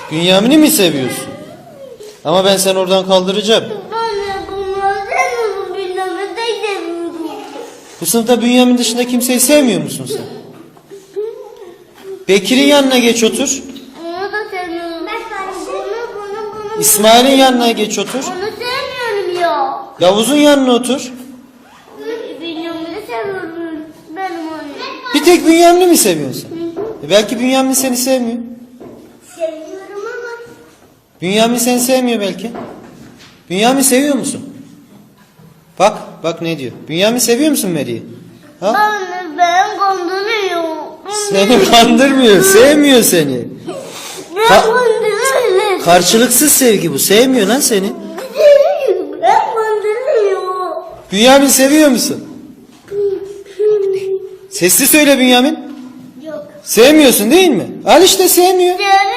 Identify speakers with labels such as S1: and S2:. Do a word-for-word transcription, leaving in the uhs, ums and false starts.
S1: Bünyamin'i mi seviyorsun? Ama ben seni oradan kaldıracağım.
S2: Anne bunları sevmiyorum. Bünyamin'i de sevmiyorum.
S1: Bu sınıfta Bünyamin dışında kimseyi sevmiyor musun sen? Bekir'in yanına geç otur.
S2: Onu da sevmiyorum. Ben bunu bunu bunu.
S1: İsmail'in yanına geç otur.
S2: Onu sevmiyorum ya.
S1: Yavuz'un yanına otur.
S2: Bünyamin'i seviyorum. Benim annem.
S1: Bir tek Bünyamin'i mi seviyorsun? E belki Bünyamin seni sevmiyor.
S2: Seviyorum ama.
S1: Bünyamin seni sevmiyor belki. Bünyamin seviyor musun? Bak, bak ne diyor. Bünyamin seviyor musun Meri'yi? Ha?
S2: Anne ben kandırıyor.
S1: Seni kandırmıyor, sevmiyor seni.
S2: Ben
S1: Ka-
S2: kandırıyor.
S1: Karşılıksız sevgi bu, sevmiyor lan seni.
S2: Ben kandırıyor.
S1: Bünyamin seviyor musun? Sesli söyle Bünyamin.
S2: Yok.
S1: Sevmiyorsun değil mi? Al işte sevmiyor.
S2: Seviyorum.